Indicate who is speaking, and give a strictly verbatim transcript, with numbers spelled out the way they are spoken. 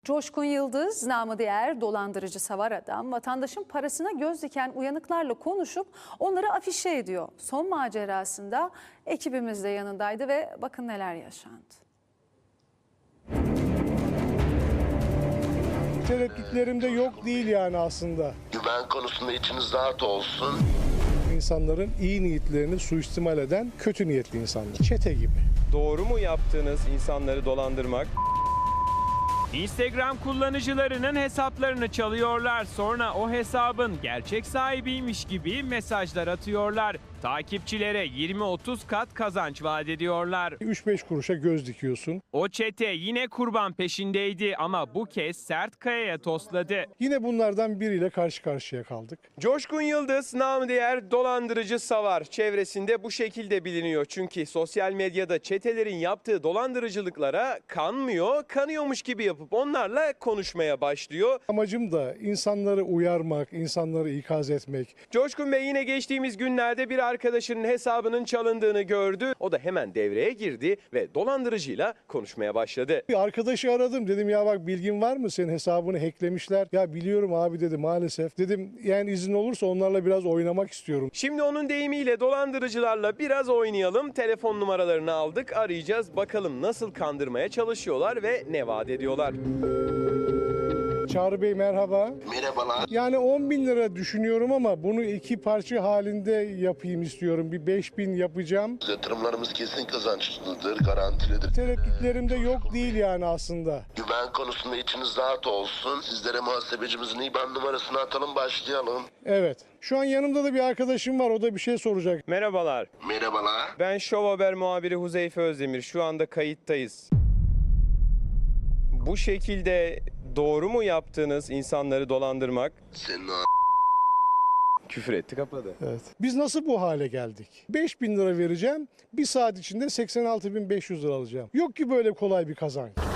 Speaker 1: Coşkun Yıldız, namı diğer dolandırıcı savar adam, vatandaşın parasına göz diken uyanıklarla konuşup onları afişe ediyor. Son macerasında ekibimiz de yanındaydı ve bakın neler yaşandı.
Speaker 2: Tereddütlerim de yok değil yani aslında.
Speaker 3: Güven konusunda içiniz rahat olsun.
Speaker 2: İnsanların iyi niyetlerini suistimal eden kötü niyetli insanlar. Çete gibi.
Speaker 4: Doğru mu yaptığınız insanları dolandırmak?
Speaker 5: Instagram kullanıcılarının hesaplarını çalıyorlar. Sonra o hesabın gerçek sahibiymiş gibi mesajlar atıyorlar. Takipçilere yirmi otuz kat kazanç vaat ediyorlar.
Speaker 2: üç beş kuruşa göz dikiyorsun.
Speaker 5: O çete yine kurban peşindeydi ama bu kez sert kayaya tosladı.
Speaker 2: Yine bunlardan biriyle karşı karşıya kaldık.
Speaker 4: Coşkun Yıldız, namı diğer dolandırıcı savar, çevresinde bu şekilde biliniyor. Çünkü sosyal medyada çetelerin yaptığı dolandırıcılıklara kanmıyor, kanıyormuş gibi yapıp onlarla konuşmaya başlıyor.
Speaker 2: Amacım da insanları uyarmak, insanları ikaz etmek.
Speaker 4: Coşkun Bey yine geçtiğimiz günlerde bir arkadaşının hesabının çalındığını gördü. O da hemen devreye girdi ve dolandırıcıyla konuşmaya başladı.
Speaker 2: Bir arkadaşı aradım, dedim ya bak bilgin var mı, senin hesabını hacklemişler. Ya biliyorum abi dedi, maalesef. Dedim yani izin olursa onlarla biraz oynamak istiyorum.
Speaker 4: Şimdi onun deyimiyle dolandırıcılarla biraz oynayalım. Telefon numaralarını aldık, arayacağız. Bakalım nasıl kandırmaya çalışıyorlar ve ne vaat ediyorlar.
Speaker 2: Çağrı Bey merhaba.
Speaker 3: Merhabalar.
Speaker 2: Yani on bin lira düşünüyorum ama bunu iki parça halinde yapayım istiyorum. Bir beş bin yapacağım.
Speaker 3: Yatırımlarımız kesin kazançlıdır, garantilidir.
Speaker 2: Tereddütlerim de yok değil yani aslında.
Speaker 3: Güven konusunda içiniz rahat olsun. Sizlere muhasebecimizin I B A N numarasını atalım, başlayalım.
Speaker 2: Evet. Şu an yanımda da bir arkadaşım var. O da bir şey soracak.
Speaker 4: Merhabalar.
Speaker 3: Merhabalar.
Speaker 4: Ben Şov Haber muhabiri Huzeyfe Özdemir. Şu anda kayıttayız. Bu şekilde doğru mu yaptığınız insanları dolandırmak?
Speaker 3: Senin o
Speaker 4: Küfür etti, kapadı.
Speaker 2: Evet. Biz nasıl bu hale geldik? beş bin lira vereceğim. Bir saat içinde seksen altı bin beş yüz lira alacağım. Yok ki böyle kolay bir kazanç.